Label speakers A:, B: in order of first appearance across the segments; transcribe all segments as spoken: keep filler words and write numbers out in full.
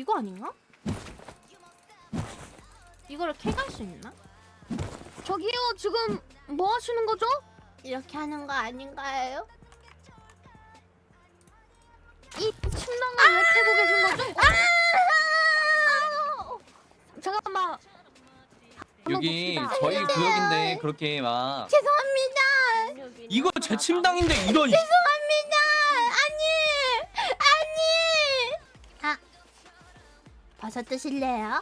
A: 이거 아닌가? 이거를 캐갈 수 있나?
B: 저기요, 지금 뭐 하시는 거죠?
A: 이렇게 하는 거 아닌가요?
B: 이 침낭을 왜 캐고 계신 거죠? 어? 잠깐만.
C: 여기
B: 봅시다.
C: 저희 구역인데 그렇게 막
A: 죄송합니다.
C: 이거 제 침당인데 이런
A: 죄송합니다. 아니, 아니. 아, 버섯 드실래요?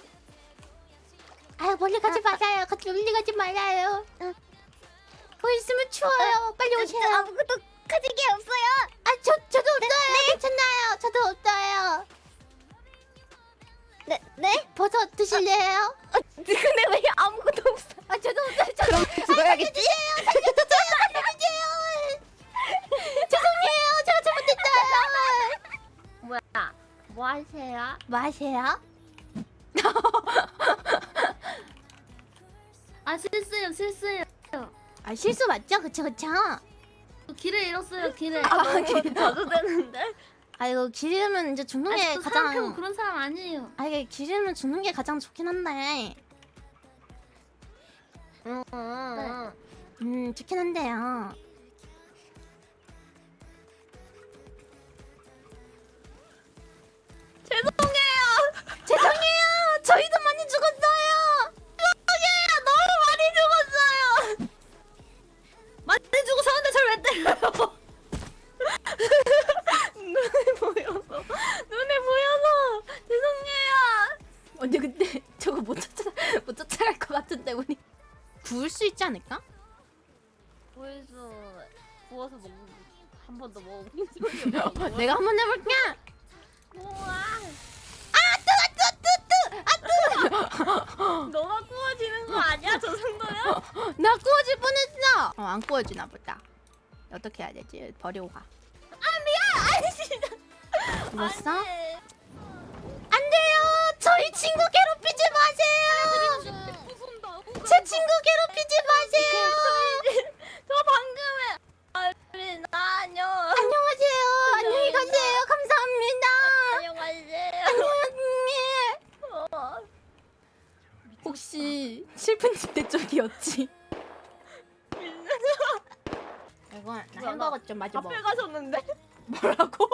A: 아유, 멀리 가지 마세요. 같이 멀리 가지 말아요. 거기 있으면 추워요. 빨리 오세요.
B: 아무것도 가진 게 없어요.
A: 아, 저 저도 없어요. 괜찮아요. 저도 없어요.
B: 네, 네?
A: 버섯 드실래요?
B: 근데 왜 아무것도 없어?
A: 아, 저도 없어요. 저도
B: 그럼 죽어야겠지?
A: 살려주세요. 살려주세요. 죄송해요. 제가 잘못했어요.
B: 뭐야? 뭐 하세요?
A: 뭐 하세요?
B: 아, 실수요, 실수요.
A: 아, 실수 맞죠? 그쵸, 그쵸?
B: 길을 잃었어요, 길을.
A: 아, 길-
B: 자주 되는데?
A: 아이고, 길 잃으면 이제 죽는 게
B: 아직도
A: 가장.
B: 생각해보면 그런 사람 아니에요.
A: 아, 이게 길 잃으면 죽는 게 가장 좋긴 한데.
B: 응, 응,
A: 음, 좋긴 한데요.
B: 죄송해요.
A: 죄송해요. 저희도 많이 죽었어요.
B: 죄송해요. 너무 많이 죽었어요. 많이 죽었었는데 저를 왜 때려요? 눈에 보여서. 눈에 보여서. 죄송해요.
A: 언니 근데 저거 못 쫓아 못 쫓아갈 것 같은데 우리. 구울 수 있지 않을까?
B: 보여서 구워서 먹는 한 번도 먹어본 적이 없어.
A: 내가 한번 해볼게.
B: 우와.
A: 아,
B: 너가 구워지는 거 아니야? 저 정도면?
A: 나 구워질 뻔했어. 어, 안 구워지나 보다. 어떻게 해야 되지? 버리고 가.
B: 아 미안. 아니 진짜.
A: 죽었어?
B: 안 돼.
A: 안 돼요. 저희 친구 괴롭히지 마세요.
B: 부순다.
A: 제 친구 괴롭히지 마세요.
B: 저 방금에 아니 나 안녕.
A: 안녕하세요. 안녕히 가세요. 감사합니다.
B: 안녕하세요.
A: 안녕.
B: 어.
A: 혹시 슬픈 집대 쪽이었지? 이거 나
B: 뭐야,
A: 햄버거 좀 마저 먹어.
B: 앞에 가셨는데
A: 뭐라고?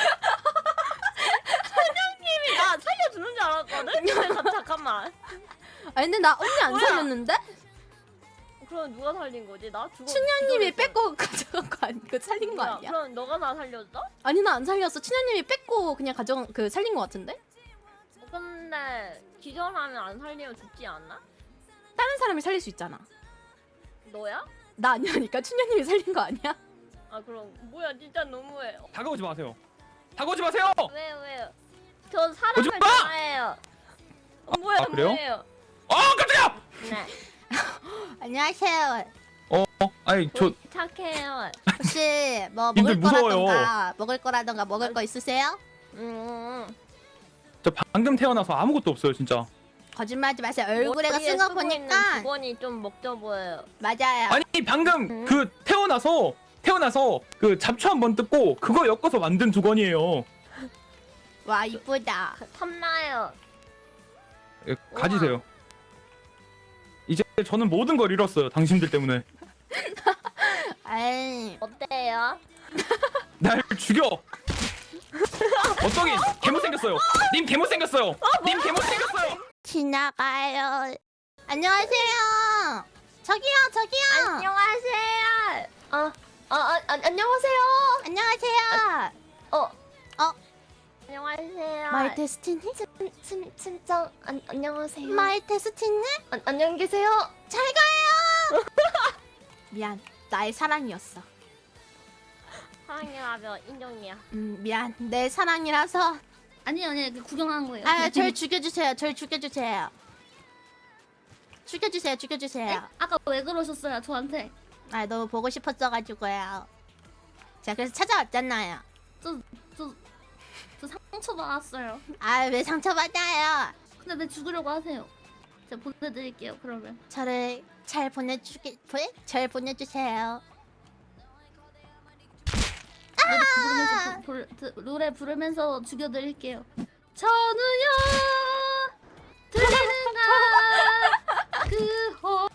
B: 사장님이 나 살려주는 줄 알았거든. 근데 자- 잠깐만.
A: 아니 근데 나 언니 안
B: 뭐야?
A: 살렸는데?
B: 그럼 누가 살린 거지? 나 죽어.
A: 춘향님이
B: 기절했어.
A: 뺏고 가져간 거 아니? 그 살린 거
B: 뭐야,
A: 아니야?
B: 그럼 너가 나 살렸어?
A: 아니 나 안 살렸어. 춘향님이 뺏고 그냥 가져간 그 살린 거 같은데?
B: 근데 기절하면 안 살리면 죽지 않나?
A: 다른 사람이 살릴 수 있잖아.
B: 너야?
A: 나 아니라니까 춘향님이 살린 거 아니야?
B: 아 그럼 뭐야 진짜 너무해. 어,
C: 다가오지 마세요. 다가오지 마세요.
B: 왜 왜요? 저 사람을
C: 오지 마!
B: 좋아해요. 어, 뭐야
C: 아, 그래요?
B: 뭐예요?
C: 어 깜짝이야.
B: 네.
A: 안녕하세요.
C: 어, 어 아니 저
B: 착해요.
A: 혹시 뭐
C: 님들
A: 먹을
C: 무서워요.
A: 거라던가 먹을 거라던가 먹을 거 있으세요?
B: 음.
C: 저 방금 태어나서 아무것도 없어요 진짜.
A: 거짓말하지 마세요. 얼굴에가
B: 머리에
A: 쓴 거
B: 쓰고 있는
A: 보니까
B: 주번이 좀 먹져 보여요.
A: 맞아요.
C: 아니 방금
B: 음.
C: 그 태어나서 태어나서 그 잡초 한 번 뜯고 그거 엮어서 만든 두건이에요.
A: 와 이쁘다.
B: 탐나요.
C: 예, 가지세요. 이제 저는 모든 걸 잃었어요. 당신들 때문에.
A: 에이.
B: 어때요?
C: 날 죽여. 어떡해. 개못생겼어요. 님 개못생겼어요. 님 개못생겼어요.
A: 지나가요. 안녕하세요. 저기요, 저기요.
B: 안녕하세요. 어, 어, 어, 안- 안녕하세요.
A: 안녕하세요.
B: 어,
A: 어?
B: 안녕하세요.
A: 마이 데스티니?
B: 친, 친, 친정 안, 안녕하세요.
A: 마이 데스티니?
B: 안, 안녕히 계세요.
A: 잘 가요. 미안, 나의 사랑이었어.
B: 사랑해라며 인정이야.
A: 음, 미안, 내 사랑이라서.
B: 아니 아니 구경한 거예요.
A: 아, 절 죽여주세요. 절 죽여주세요. 죽여주세요, 죽여주세요.
B: 아까 왜 그러셨어요 저한테?
A: 아, 너무 보고 싶었어가지고요. 제가 그래서 찾아왔잖아요.
B: 저, 저, 저 상처 받았어요.
A: 아, 왜 상처받아요?
B: 근데 왜 죽으려고 하세요? 제가 보내드릴게요 그러면.
A: 저를 잘 보내주게, 보내? 잘 보내주세요.
B: 노래 부르면서, 부, 부, 노래 부르면서 죽여드릴게요. 전우여 들리는가 그호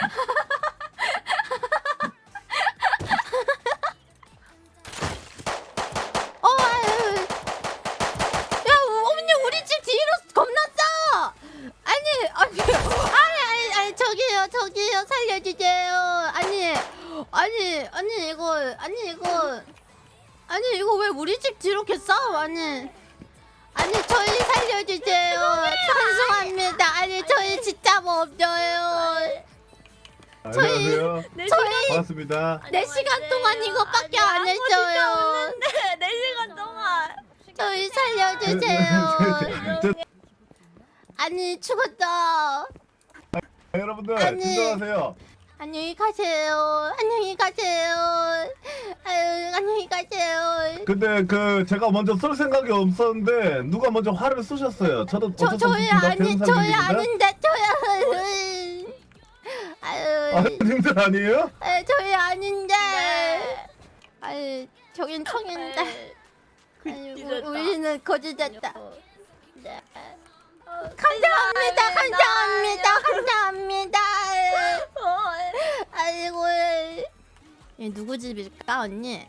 A: 어, 아유. 야, 어머니 우리 집 뒤로 겁나 싸. 아니, 아니, 아니, 아니, 아니, 저기요, 저기요, 살려주세요. 아니, 아니, 아니 이거, 아니 이거, 아니 이거 왜 우리 집 뒤로 이렇게 싸? 아니, 아니 저희 살려주세요. 죄송합니다. 아니 저희 진짜 뭐 없어요.
D: 안녕하세요.
A: 저희
D: 반갑습니다.
A: 네 시간 동안 이거밖에 안 했어요.
B: 네 시간 동안
A: 저희 살려주세요.
D: 저-
A: 아니 죽었다.
D: 여러분들
A: 아니.
D: 진정하세요.
A: 안녕히 가세요. 안녕히 가세요. 아유 안녕히 가세요.
D: 근데 그 제가 먼저 쏠 생각이 없었는데 누가 먼저 화를 쏘셨어요. 저도
A: 저
D: 어쩔 수
A: 저희
D: 없습니다.
A: 아니
D: 배운
A: 저희
D: 사람입니다.
A: 아닌데 저희 아유
D: 아, 님들 아니에요?
A: 아유 저희 아닌데
B: 네.
A: 아유 저긴 청인데 아유
B: 이랬다.
A: 우- 우리는 거짓됐다.
B: 네.
A: 감사합니다. 감사합니다. 감사합니다.
B: 어,
A: 아이고 얘 누구 집일까 언니?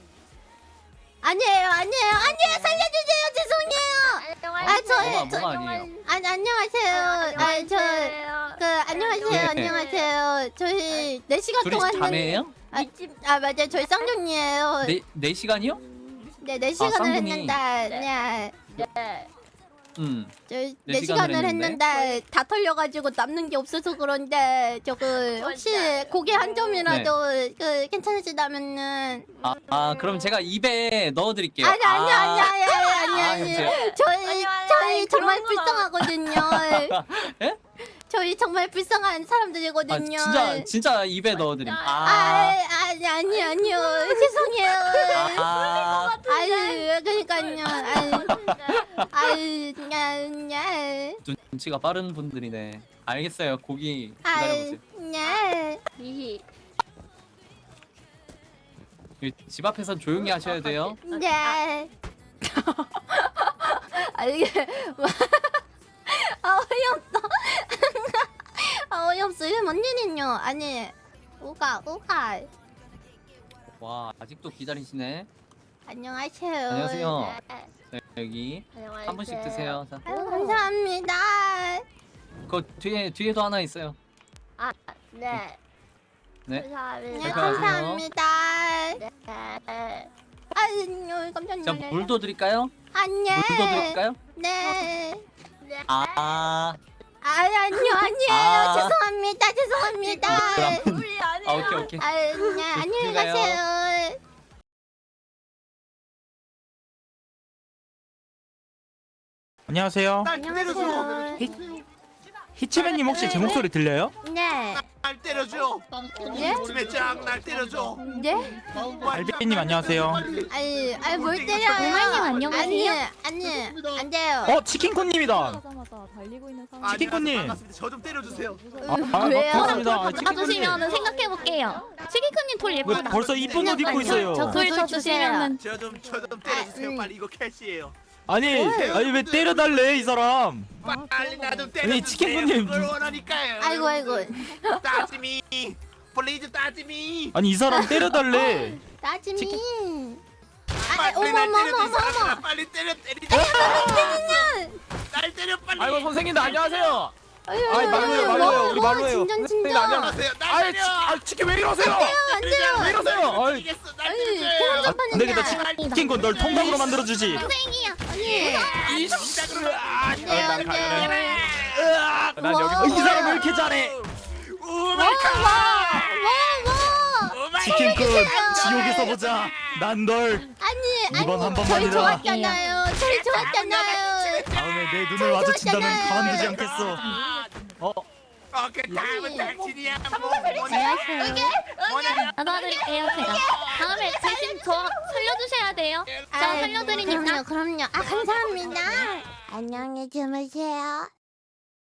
A: 아니에요 아니에요 아니에요 살려주세요 죄송해요. 아 저희
E: 뭐가
A: 저,
E: 뭐가 아니에요?
A: 아니 안녕하세요. 아니 저그 안녕하세요
B: 네.
A: 안녕하세요. 저희 네 시간
E: 둘이
A: 동안
E: 자매예요?
A: 아, 아 맞아요 저희 쌍둥이에요.
E: 네, 네 시간이요?
A: 네, 네 시간을
E: 쌍둥이.
A: 했는데 네.
B: 네.
E: 음.
A: 저희
E: 네
A: 네
E: 시간을
A: 시간을
E: 했는데?
A: 했는데 다 털려가지고 남는 게 없어서 그런데 저거 혹시 고기 한 점이라도 그 괜찮으시다면은
E: 아, 아 그럼 제가 입에 넣어드릴게요.
A: 아니 아니
E: 아,
A: 아니 아니 아니
E: 아,
A: 아니
E: 여보세요?
A: 저희
B: 아니, 아니,
A: 저희
B: 아니,
A: 정말
B: 그런 건
A: 불쌍하거든요.
E: 예?
A: 저희 정말 불쌍한
E: 아
A: 사람들이거든요.
E: 진짜 진짜 입에 넣어드림.
A: 아,
E: 아,
A: 아니 아니 아니요 죄송해요.
E: 아,
A: 아유 그러니까요. 아유 아유 냐
E: 눈치가 빠른 분들이네. 알겠어요. 고기
A: 아유
E: 기다려보세요.
A: 냐
B: 히히.
E: 여기 집 앞에선 조용히 하셔야 돼요.
A: 네. 아 이게 아 어이없어. 아 어이없어. 이게 뭔 일이뇨? 아니 우가 우가
E: 와 아직도 기다리시네.
A: 안녕하세요.
E: 안녕하세요.
B: 네.
E: 네, 여기
B: 안녕하세요.
E: 한 분씩 드세요. 자,
A: 아유 감사합니다.
E: 그 뒤에 뒤에도 하나 있어요.
B: 아, 네.
E: 네.
A: 네
B: 감사합니다.
A: 감사합니다.
B: 네.
A: 아유 깜짝
E: 자
A: 놀랐네.
E: 물도 드릴까요?
A: 안녕.
E: 물도 드릴까요?
A: 네.
B: 네.
E: 아,
A: 아유 아니요 아니에요.
E: 아.
A: 죄송합니다 죄송합니다.
E: 그럼
B: 우리 아니에요.
E: 아 오케이 오케이.
A: 아유 네, 안녕히
E: 가요.
A: 가세요.
F: 안녕하세요.
A: 안녕하세요.
F: 히치맨님 혹시 제 목소리 들려요?
A: 네.
G: 날 때려줘.
A: 네?
G: 집에 짱날 때려줘.
A: 네?
F: 알비님 안녕하세요.
A: 아니, 아니 뭘 때려요?
H: 오마이님 안녕하세요.
A: 아니, 아니, 안 돼요.
F: 어 치킨콘님이다.
G: 아,
F: 치킨꾼님.
G: 반갑습니다. 저 좀 때려주세요.
F: 아, 아
A: 왜요?
F: 반갑습니다. 아, 치킨콘님.
H: 받으시면 생각해 볼게요. 치킨크님 돌
F: 왜
H: 예쁘다.
F: 벌써 이쁜 옷 입고 있어요?
H: 저
A: 돌
H: 돌 쳐주시면은
G: 저 좀 저 좀 때려주세요.
A: 아, 음.
G: 빨리 이거 캐시예요.
F: 아니 아니 왜 때려달래 이 사람?
G: 빨리 나 좀 때려주세요.
F: 아니, 치킨꾼님.
G: 그걸 원하니까요.
A: 아이고, 아이고.
G: 따지미. 플리즈 따지미.
F: 아니 이 사람 때려달래.
A: 나지미. 아,
G: 빨리
A: 어머,
G: 날
A: 어머,
G: 때려줘. 이
A: 어머,
G: 사람아.
A: 어머.
G: 빨리 때려 때리자. 날 때려 빨리.
C: 아이고 선생님들 안녕하세요.
A: 아유,
F: 아이, 말로 해요, 말로 해요. 우리 말로 해요.
A: 진정,
C: 선생님
A: 진정.
C: 안녕하세요.
G: 안녕하세요. 날
C: 아이
G: 때려.
C: 치, 아 치킨 왜 이러세요?
A: 안 돼요.
C: 왜 이러세요? 아이
G: 이겼어. 날
A: 아니,
G: 때려줘요.
A: 그런 점
F: 안 되겠다.
A: 하는데.
F: 치킨콘 널 통닭으로 만들어주지.
A: 선생이야. 아니.
G: 이 동작으로.
A: 안 돼요, 안 돼요.
C: 난
A: 와.
C: 여기서
F: 어, 이 사람 왜 이렇게 잘해?
G: 오 마이 갓.
A: 와, 와.
G: 오 마이
F: 치킨콘 지옥에서 보자. 난 널
A: 아니,
F: 이번
A: 아니,
F: 한
A: 저희
F: 번만이다.
A: 좋았잖아요. 저희 좋았잖아요.
F: 다음에 내 눈을 마주친다면
A: 좋았잖아요.
F: 가만두지 않겠어. 어
G: 어, 그 다음은 당신이야. 뭐,
H: 안녕하세요.
G: 뭐냐?
H: 안아드릴게요 제가. 다음에 대신 저 살려주셔야 돼요. 저
A: 아이,
H: 살려드리니까.
A: 그럼요, 그럼요. 아, 감사합니다. 안녕히 주무세요.